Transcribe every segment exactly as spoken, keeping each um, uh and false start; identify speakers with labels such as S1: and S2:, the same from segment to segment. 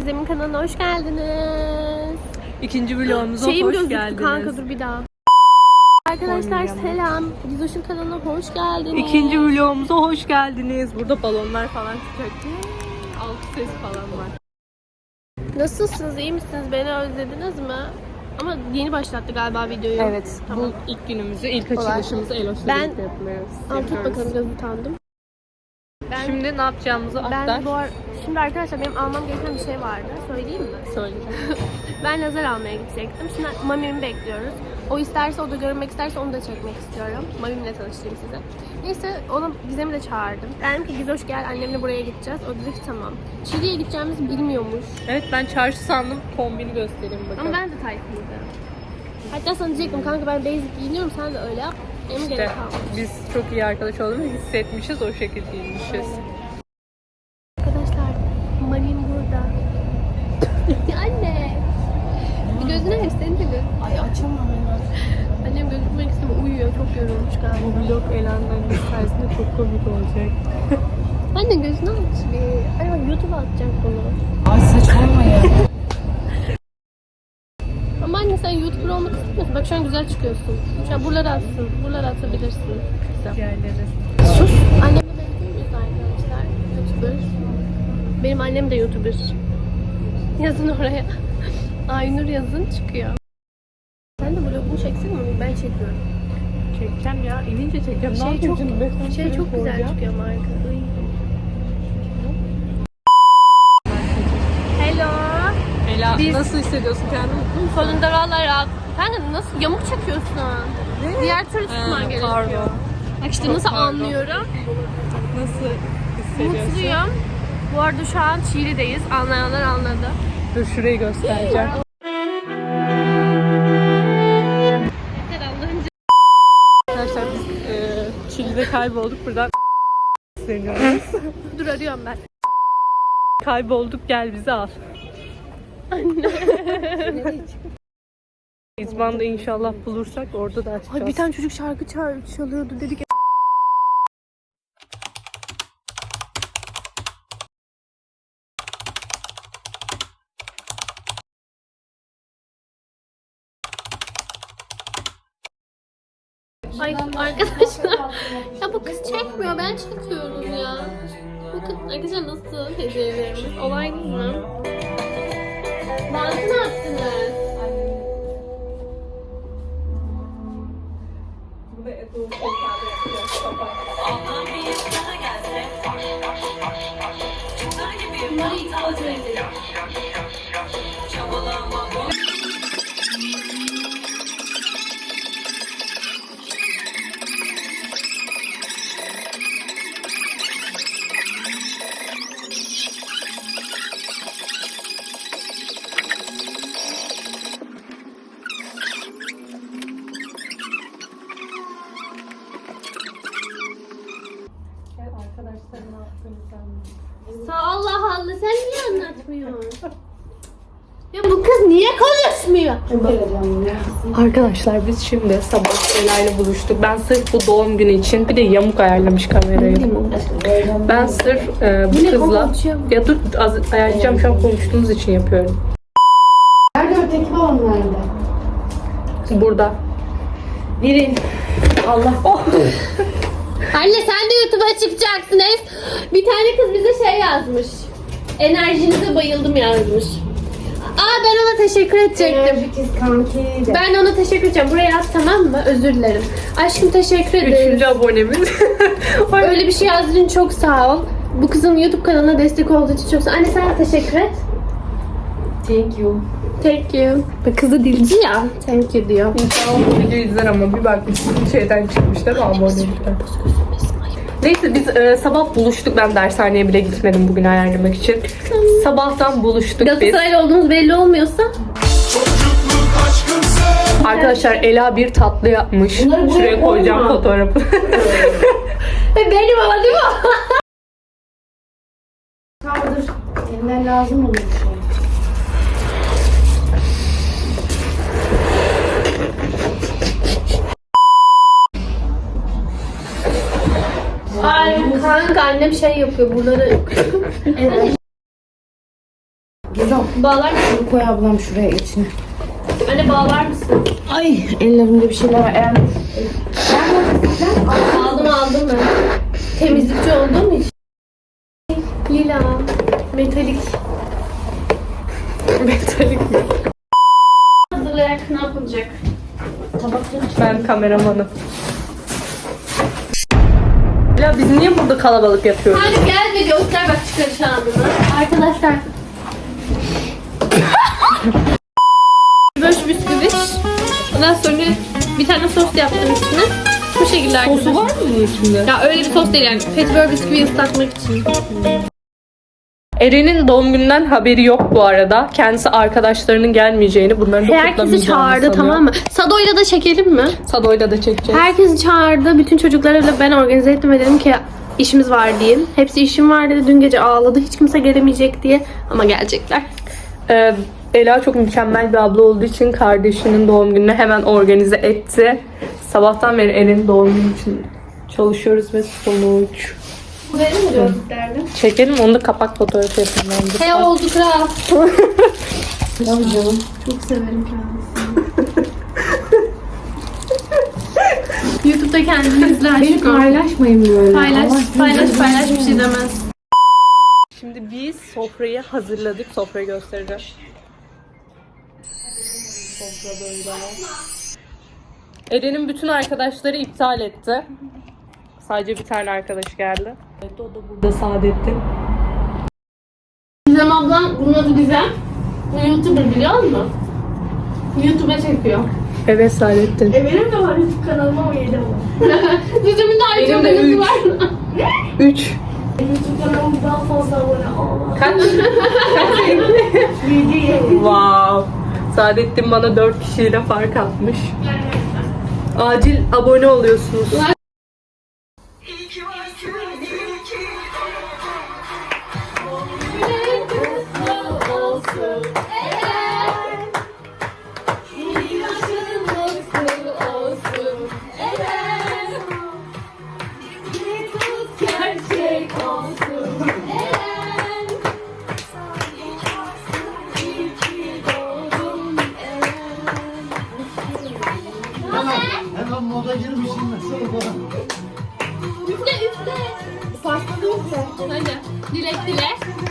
S1: Gizem'in kanalına hoş geldiniz.
S2: İkinci vlogumuza
S1: Şeyim
S2: hoş
S1: gözüktü
S2: geldiniz.
S1: Kanka dur bir daha. Arkadaşlar selam. Gizoş'un kanalına hoş geldiniz.
S2: İkinci vlogumuza hoş geldiniz. Burada balonlar falan çıkacak. Alt ses falan var.
S1: Nasılsınız? İyi misiniz? Beni özlediniz mi? Ama yeni başlattı galiba videoyu.
S2: Evet.
S1: Tamam.
S2: Bu ilk günümüzü, ilk açılışımızı Eloş'la
S1: Ben-
S2: birlikte yapmıyoruz.
S1: Al tut
S2: yapıyoruz.
S1: bakalım, biraz utandım. Ben,
S2: Şimdi ne yapacağımızı aktar.
S1: ben bu ar- Şimdi arkadaşlar benim almam gereken bir şey vardı. Söyleyeyim mi?
S2: Söyleyeceğim.
S1: Ben lazer almaya gidecektim. Şimdi Mami'mi bekliyoruz. O isterse, o da görmek isterse onu da çekmek istiyorum. Mami'mle tanıştırayım size. Neyse ona Gizem'i de çağırdım. Dedim ki Gizoş gel, annemle buraya gideceğiz. O dedi ki tamam. Çiğli'ye gideceğimizi bilmiyormuş.
S2: Evet, ben çarşı sandım. Kombini göstereyim bakalım.
S1: Ama ben de tayfıydım. Hatta sana diyecektim kanka ben basic giyiniyorum, sen de öyle yap. Benim
S2: İşte
S1: gerek kalmadı.
S2: biz çok iyi arkadaş olduğumuzu hissetmişiz, o şekilde giyinmişiz.
S1: Arkadaşlar Mami'm burada. Anne. Bir gözünü aç, seni de göz.
S3: Ay açamam hemen.
S1: Annem gözükmek istemiyor, uyuyor. Çok yorulmuş galiba.
S2: Bu vlog Elan'ın sayesinde çok komik olacak.
S1: Anne gözünü aç bir. Ay bak YouTube'a atacak bunu.
S3: Ay saçmalama ya.
S1: Ama anne sen YouTuber olmak istemiyorsun. Bak şu an güzel çıkıyorsun. Şu an buraları atsın. Buraları atabilirsin. Güzel.
S2: Yerleriz.
S1: Sus. Annemle benziyor muyuz arkadaşlar? YouTuber. Benim annem de YouTuber. Yazın oraya. Aynur yazın çıkıyor. Sen de vlogunu çeksene mi? Ben çekiyorum.
S2: Çekeceğim ya, inince çekeceğim. Ne
S1: Şey
S2: yapayım
S1: çok,
S2: şimdi? Ben
S1: şey çok güzel çıkıyor marka. Iy. Hello.
S2: Ela,
S1: Biz-
S2: nasıl hissediyorsun kendini? Mutlu musun?
S1: Sonunda valla rahat. Kanka nasıl yamuk çekiyorsun?
S2: Ne?
S1: Diğer türlü tutman
S2: Ha,
S1: gerekiyor.
S2: pardon.
S1: Bak işte
S2: Çok
S1: nasıl
S2: pardon.
S1: anlıyorum.
S2: Nasıl hissediyorsun?
S1: Mutluyum. Bu arada şu an Çiğli'deyiz. Anlayanlar anladı.
S2: Dur şurayı göstereceğim.
S1: Yeter Allah'ın
S2: Arkadaşlar biz e, Çili'de kaybolduk. Buradan seviyoruz.
S1: Dur arıyorum ben.
S2: Kaybolduk, gel bizi al.
S1: Anne.
S2: İzban'da inşallah bulursak orada da açacağız.
S1: Ay bir tane çocuk şarkı çal- çalıyordu dedik. Ay arkadaşlar. Ya bu kız çekmiyor, ben çekiyorum ya. Bakın arkadaşlar nasıl hediyelerimiz. Olay değil mi? Bantı ne yaptınız? Bunları ithal edeceğiz.
S2: Arkadaşlar ne yaptığını
S1: Allah Allah, sen niye anlatmıyorsun? Ya bu kız niye konuşmuyor?
S2: Arkadaşlar biz şimdi sabah Ela ile buluştuk. Ben sırf bu doğum günü için bir de yamuk ayarlamış kamerayı. Ben sırf e, bu
S1: Yine
S2: kızla
S1: konuşuyorum.
S2: ya dur az ayarlayacağım, şu an konuştuğumuz için yapıyorum.
S3: Nerede öteki babam nerede?
S2: Burada.
S3: Birin. Allah.
S2: Oh.
S1: Anne sen de YouTube'a çıkacaksın. Bir tane kız bize şey yazmış. Enerjinize bayıldım yazmış. Aa ben ona teşekkür edecektim.
S3: Enerji kız kanki de.
S1: Ben ona teşekkür edeceğim. Buraya yaz tamam mı? Özür dilerim. Aşkım teşekkür ederim.
S2: Üçüncü abonemiz.
S1: Öyle bir şey yazdığın için çok sağ ol. Bu kızın YouTube kanalına destek olduğu için çok sağ ol. Anne sen de teşekkür et.
S3: Thank you.
S1: Thank you. Bak kızı dilci ya. Thank you diyor.
S2: İnşallah bu video izler ama bir bakmışsın şeyden çıkmış değil mi abonelikten. Neyse biz e, sabah buluştuk. Ben dershaneye bile gitmedim bugün ayarlamak için. Sabahtan buluştuk biz.
S1: Galatasaraylı olduğumuz belli olmuyorsa.
S2: Arkadaşlar Ela bir tatlı yapmış.
S3: Bunları buraya
S2: Şuraya koyacağım
S3: koyma.
S2: fotoğrafı.
S1: Ve benim ama değil mi?
S3: Kaldır. Elinden lazım olur bir şey.
S1: Ay kanka annem şey yapıyor buraları.
S3: Evet. Güzel.
S1: Bağlar mısın?
S3: Koy ablam şuraya içine.
S1: Anne bağlar mısın?
S3: Ay ellerimde bir şeyler var. Eğer...
S1: Aldım aldım ben. Temizlikçi olduğum için. Lila. Metalik.
S2: Metalik mi?
S1: Hazırlayarak ne yapılacak?
S3: Tabakları
S2: Ben kameramanım. Ya biz niye burada kalabalık yapıyoruz?
S1: Hadi gel ve göster bak çıkarış anını. Arkadaşlar. Böyle bisküvi. Ondan sonra bir tane sos yaptım üstüne. Bu şekilde arkadaşlar.
S2: Sosu var mı bunun içinde?
S1: Ya öyle bir sos değil yani. Petibör bisküvi ıslatmak için.
S2: Eren'in doğum gününden haberi yok bu arada. Kendisi arkadaşlarının gelmeyeceğini, bunların da
S1: Herkesi
S2: kutlamayacağını
S1: çağırdı
S2: sanıyor.
S1: tamam mı? Sado'yla da çekelim mi?
S2: Sado'yla da çekeceğiz.
S1: Herkesi çağırdı. Bütün çocuklarla ben organize ettim ve dedim ki işimiz var diyeyim. Hepsi işim var dedi. Dün gece ağladı. Hiç kimse gelemeyecek diye. Ama gelecekler.
S2: Ee, Ela çok mükemmel bir abla olduğu için kardeşinin doğum gününü hemen organize etti. Sabahtan beri Eren'in doğum günü için çalışıyoruz ve sonuç.
S1: Verir mi gördüklerini?
S2: Çekelim, onu da kapak fotoğrafı yapalım bence.
S1: He oldu kral.
S3: Tabii canım.
S1: Çok severim kendisini. YouTube'da kendini izle
S3: Beni
S1: aşkım.
S3: paylaşmayın böyle.
S1: Paylaş,
S3: Allah
S1: paylaş,
S3: sizi-
S1: paylaş bir şey demez.
S2: Şimdi biz sofrayı hazırladık. Sofrayı göstereceğim. Sofra böyle. Eren'in bütün arkadaşları iptal etti. Sadece bir tane arkadaş geldi. Evet, o da burada Saadettin.
S1: Gizem ablam, bunun adı Gizem. Bu YouTuber biliyor musun? YouTube'a çekiyor.
S2: Evet Saadettin.
S1: E benim de var YouTube kanalım ama yedi var. Gizem'in de ayrıca
S2: Benim de
S1: abonesi
S2: üç.
S1: var.
S2: Üç.
S1: YouTube kanalım daha fazla abone. Allah.
S2: Kaç? Wow. Saadettin bana dört kişiyle fark atmış. Acil abone oluyorsunuz.
S4: Hemen moda girmişim mesela.
S1: Üfle üfle. Pasta da üfle. Hadi. Dilek dile.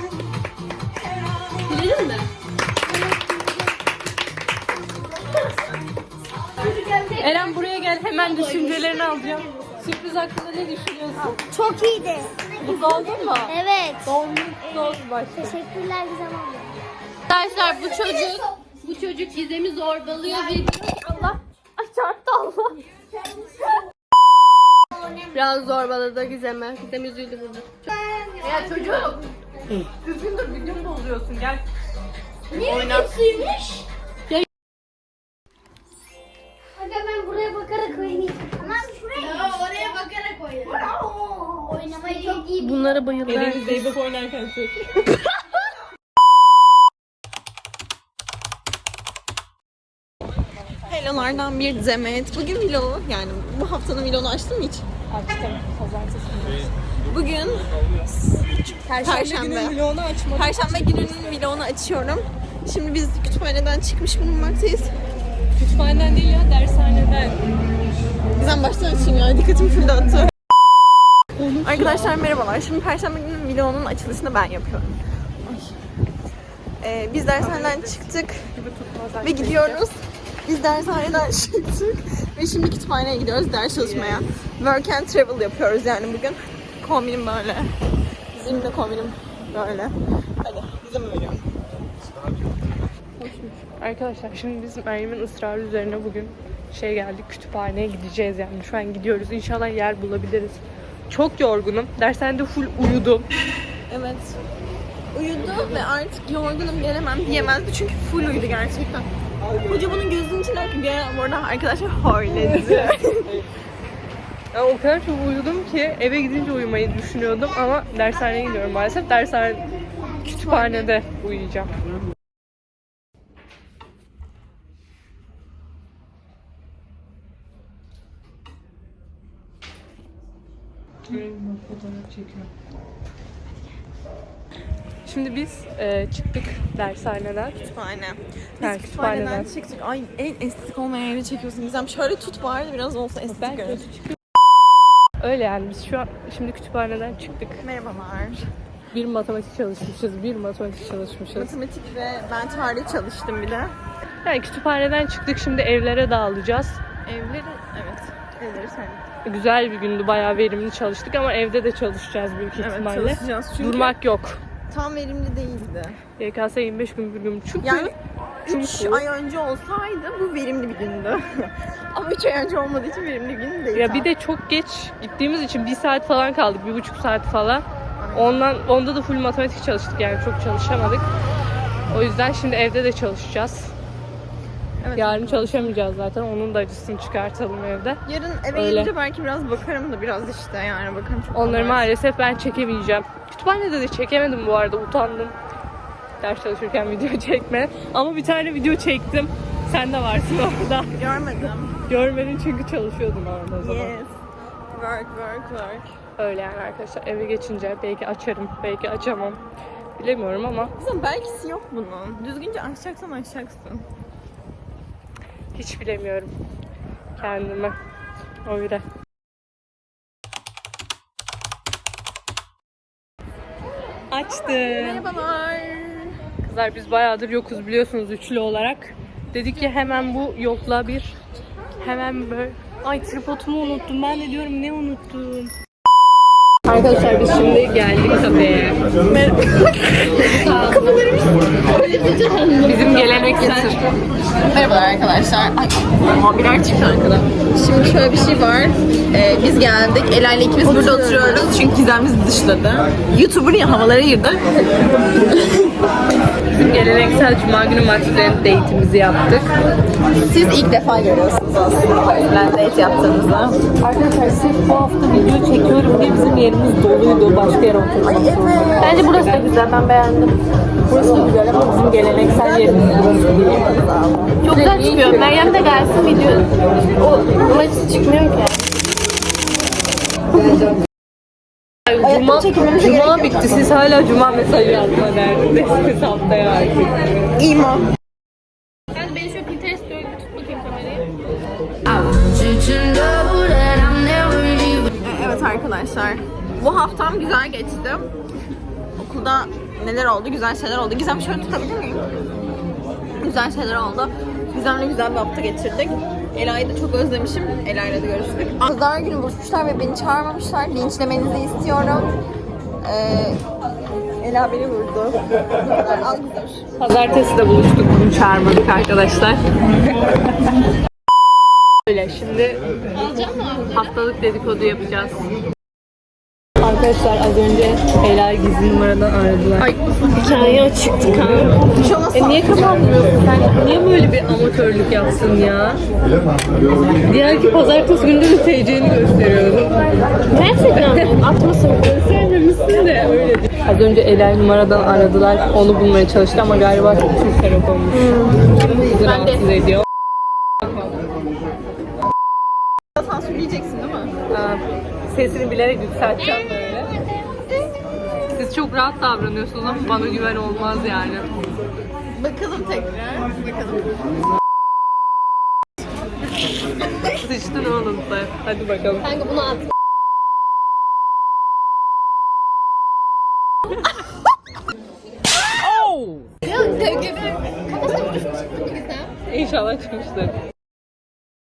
S1: Diledin mi?
S2: Eren buraya gel, hemen düşüncelerini alacağım. Sürpriz hakkında ne düşünüyorsun?
S5: Çok iyiydi.
S2: Mutlu oldun mu?
S5: Evet.
S2: Doğum günün kutlu olsun başta.
S5: Teşekkürler Gizem abla.
S1: Arkadaşlar bu çocuk bu çocuk Gizem'i zorbalıyor ve Allah ay çarptı Allah. Biraz zorbaladı Gizem'i. Gizem üzüldü burada.
S2: Ya çocuk. Düzgün dur, videomu bozuyorsun, gel.
S5: Oynar. Aga ben buraya bakarak oynayayım. Tamam şuraya. Ya oraya bakarak oynayayım. Oynamayı çok iyi.
S1: Bunlara bayılıyor.
S2: Eren'i Zeybek oynarken çek.
S6: Hello'lardan bir demet. Bugün vlog, yani bu haftanın vlogunu açtın mı hiç?
S2: Açtım, pazartesi.
S6: Bugün Perşembe.
S2: günün vlogunu açmadım.
S6: Perşembe gününün vlogunu açıyorum. Şimdi biz kütüphaneden çıkmış bulunmaktayız.
S2: Kütüphaneden değil ya, dershaneden.
S6: Bizden baştan açayım ya, dikkatim full dağıttı. Arkadaşlar merhabalar. Şimdi Perşembe gününün vlogunun açılışını ben yapıyorum. Ay. Ee, biz dershaneden çıktık ve gidiyoruz. Biz dershaneden çıktık ve şimdi kütüphaneye gidiyoruz ders çalışmaya. Work and travel yapıyoruz yani bugün. Kombinim böyle. Bizim de kombinim böyle. Hadi bize mi veriyorum?
S2: Arkadaşlar şimdi biz Meryem'in ısrarı üzerine bugün şey geldik, kütüphaneye gideceğiz yani. Şu an gidiyoruz. İnşallah yer bulabiliriz. Çok yorgunum. Dershanede full uyudum.
S6: Evet. Uyudu ve artık yorgunum gelemem diyemezdi çünkü full uyudu gerçekten. Hoca bunun gözünün içine ki bir ara bu arada arkadaşlar horledi.
S2: Ya o kadar çok uyudum ki eve gidince uyumayı düşünüyordum ama dershaneye gidiyorum maalesef. Dershane kütüphanede uyuyacağım. Fotoğraf çekiyor. Şimdi biz e, çıktık dershaneden.
S6: Kütüphane.
S2: Ha,
S6: Biz kütüphaneden
S2: kütüphaneden.
S6: çıktık. Ay en estetik olmayan yeri çekiyorsun. Gizem şöyle tut bari biraz olsa estetik görün.
S2: Öyle yani biz şu an şimdi kütüphaneden çıktık.
S6: Merhabalar.
S2: Bir matematik çalışmışız, bir matematik çalışmışız.
S6: Matematik ve ben tarih çalıştım bir de.
S2: Yani kütüphaneden çıktık, şimdi evlere dağılacağız.
S6: Evleri, evet. Evleri sen.
S2: Güzel bir gündü, bayağı verimli çalıştık ama evde de çalışacağız büyük
S6: Evet
S2: ihtimalle.
S6: çalışacağız çünkü
S2: Durmak yok.
S6: tam verimli değildi.
S2: Y K S yirmi beş gün bir gün. Çünkü
S6: Yani üç
S2: Çünkü-
S6: ay önce olsaydı bu verimli bir gündü. Ama üç ay önce olmadığı için verimli bir gün değil.
S2: ya bir de çok geç gittiğimiz için bir saat falan kaldık, bir buçuk saat falan. Ondan onda da full matematik çalıştık, yani çok çalışamadık. O yüzden şimdi evde de çalışacağız.
S6: Evet,
S2: Yarın çalışamayacağız zaten. Onun da acısını çıkartalım evde.
S6: yarın eve
S2: Öyle.
S6: gelince belki biraz bakarım da biraz işte yani bakarım çok
S2: Onları
S6: kolay.
S2: maalesef ben çekemeyeceğim. Kütüphanede de çekemedim bu arada. Utandım. Ders çalışırken video çekme. Ama bir tane video çektim. Sen de varsın orada.
S6: Görmedim.
S2: Görmedin çünkü çalışıyordun orada o zaman.
S6: Yes. Work, work, work.
S2: Öyle yani arkadaşlar. Eve geçince belki açarım, belki açamam. Bilemiyorum ama
S6: Kızım belkisi yok bunun. Düzgünce açacaksan açacaksın.
S2: hiç bilemiyorum kendime. Öyle. Açtım.
S6: Merhabalar.
S2: Kızlar biz bayağıdır yokuz biliyorsunuz üçlü olarak. Dedik ki hemen bu yokla bir hemen böyle. Ay tripodumu unuttum. Ben de diyorum ne unuttum. Arkadaşlar biz şimdi geldik kafeye. Bizim geleneksel.
S6: Merhabalar arkadaşlar. Ay, aha, birer çıktı arkadan. Şimdi şöyle bir şey var. Ee, biz geldik. Ela ile ikimiz burada oturuyoruz. Çünkü Gizem bizi dışladı. YouTuber ya havalara girdi.
S2: Bizim geleneksel cuma günü Maxland date'imizi yaptık.
S6: Siz ilk defa görüyorsunuz aslında. Ben date yaptığımızda.
S2: Arkadaşlar sırf bu hafta video çekiyorum diye bizim yerimiz doluydu. Başka yere oturduk.
S6: Ay evet.
S1: Bence burası da güzel, ben beğendim.
S2: Burası da güzel ama bizim geleneksel yerimiz burası değil.
S1: Çok güzel çıkıyor. Meryem de gelsin video. O ama hiç çıkmıyor ki.
S2: Cuma, Cuma bitti. Siz hala Cuma mesajı yazma derdindesiniz haftaya artık.
S6: İmo.
S1: Yani beni şöyle Pinterest'te öyle tut bakayım kamerayı.
S6: Evet arkadaşlar. Bu haftam güzel geçti. Okulda neler oldu? Güzel şeyler oldu. Gizem şöyle tutabilir miyim? Güzel şeyler oldu. Gizem'le güzel bir hafta geçirdik. Ela'yı da çok özlemişim. Ela'yla da görüştük. Pazar günü buluşmuşlar ve beni çağırmamışlar. Linçlemenizi istiyorum. Ee, Ela beni vurdu. Al Gizem.
S2: Pazartesi de buluştuk. Bunu çağırmadık arkadaşlar. Öyle şimdi haftalık dedikodu yapacağız. Arkadaşlar az önce Ela'yı gizli numaradan aradılar. Ay hikaye açıktı kan. E niye kapatmıyorsun sen? Niye böyle bir amatörlük yapsın ya? Diğer ki pazartesi günü de T C'ni gösteriyordu.
S1: Gerçekten mi? Atmasın.
S2: Sevmemişsin de öyle değil. Az önce Ela'yı numaradan aradılar. Onu bulmaya çalıştı ama galiba çok Türk Telekom'muş. Bizi rahatsız ediyor.
S6: Sansürleyeceksin değil mi?
S2: Aa, sesini bilerek yükselteceğim böyle. Siz çok rahat davranıyorsunuz ama bana güven olmaz yani.
S6: Bakalım tekrar. Bakalım.
S2: Sıçtın oğlum sen. Hadi bakalım.
S1: Kanka bunu at.
S2: İnşallah çıkmıştır.